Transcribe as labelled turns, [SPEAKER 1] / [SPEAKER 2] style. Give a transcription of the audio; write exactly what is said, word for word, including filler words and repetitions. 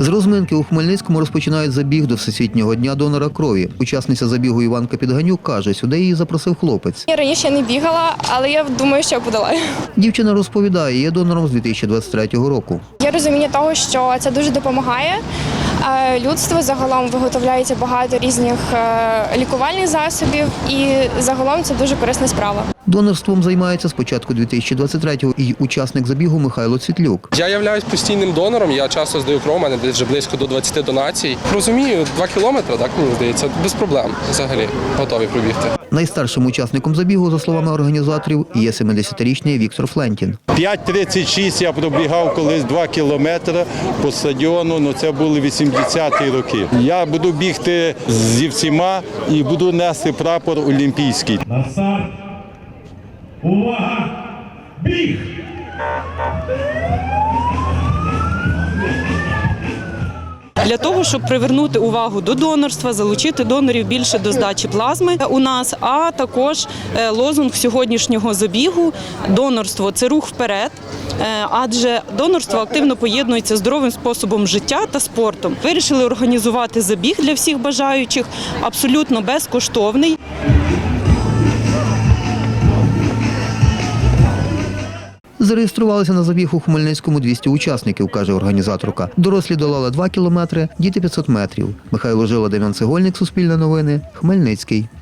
[SPEAKER 1] З розминки у Хмельницькому розпочинають забіг до Всесвітнього дня донора крові. Учасниця забігу Іванка Підганюк каже, сюди її запросив хлопець.
[SPEAKER 2] Я раніше не бігала, але я думаю, що я подолаю.
[SPEAKER 1] Дівчина розповідає, є донором з дві тисячі двадцять третього року.
[SPEAKER 2] Є розуміння того, що це дуже допомагає. Людство загалом виготовляється багато різних лікувальних засобів і загалом це дуже корисна справа.
[SPEAKER 1] Донорством займається з початку дві тисячі двадцять третього і учасник забігу Михайло Цвітлюк.
[SPEAKER 3] Я являюсь постійним донором, я часто здаю кров, у мене десь вже близько до двадцяти донацій. Розумію, два кілометри, так мені здається, без проблем взагалі готові пробігти.
[SPEAKER 1] Найстаршим учасником забігу, за словами організаторів, є семидесятирічний Віктор Флентін.
[SPEAKER 4] п'ять тридцять шість я пробігав колись два кілометри по стадіону, але це були вісімдесяті роки. Я буду бігти зі всіма і буду нести прапор олімпійський.
[SPEAKER 5] На старт. Увага! Біг!
[SPEAKER 6] Для того, щоб привернути увагу до донорства, залучити донорів більше до здачі плазми у нас, а також лозунг сьогоднішнього забігу «Донорство – це рух вперед», адже донорство активно поєднується з здоровим способом життя та спортом. Вирішили організувати забіг для всіх бажаючих, абсолютно безкоштовний.
[SPEAKER 1] Зареєструвалися на забіг у Хмельницькому двісті учасників, каже організаторка. Дорослі долали два кілометри, діти п'ятсот метрів. Михайло Жила, Дем'ян Цегольник, Суспільне новини, Хмельницький.